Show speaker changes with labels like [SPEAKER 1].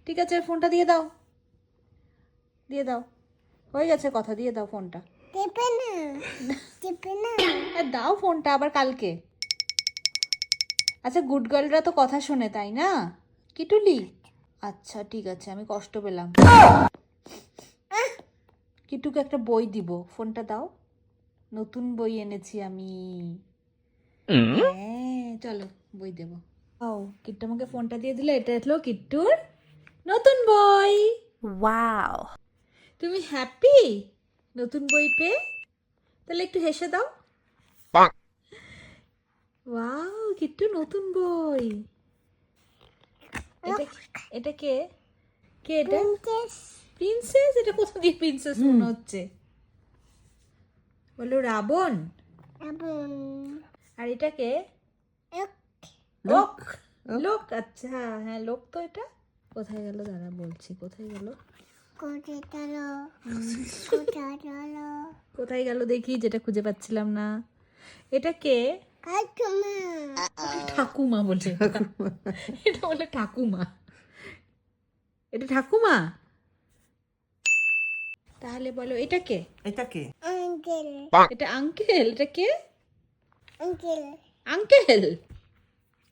[SPEAKER 1] ঠিক আছে, ফোনটা দিয়ে দাও, দিয়ে দাও, হয়ে গেছে কথা, দিয়ে দাও ফোনটা। দাও ফোনটা, আবার কালকে। আচ্ছা, গুড গার্লরা তো কথা শোনে, তাই না কিটুলি? আচ্ছা ঠিক আছে, আমি কষ্ট পেলাম। কিটুকে একটা বই দিব, ফোনটা দাও, নতুন বই এনেছি আমি। হ্যাঁ চলো, বই দেব। ও, কিট্টু আমাকে ফোনটা দিয়ে দিল, এটা হলো কিট্টুর নতুন বই।
[SPEAKER 2] ওয়াও,
[SPEAKER 1] তুমি হ্যাপি নতুন বই পেয়ে? তাহলে একটু হেসে দাও। ওয়াও, কিট্টু নতুন বই। এটা এটা কে? কে এটা? প্রিন্সেস? এটা কোথা দিয়ে প্রিন্সেস মনে হচ্ছে? বলো রাবণ। আর এটা কে? লোক। লোক, আচ্ছা হ্যাঁ লোক তো এটা। কোথায় গেল দাঁড়া, বলছি কোথায় গেল। কোথায় গেল দেখি, যেটা খুঁজে পাচ্ছিলাম না। এটা কে? ঠাকুমা বলে এটা। এটা বলে ঠাকুমা। এটা ঠাকুমা? তাহলে বলো এটা কে?
[SPEAKER 3] এটা কে?
[SPEAKER 1] এটা আঙ্কেল। এটা কে? আঙ্কেল।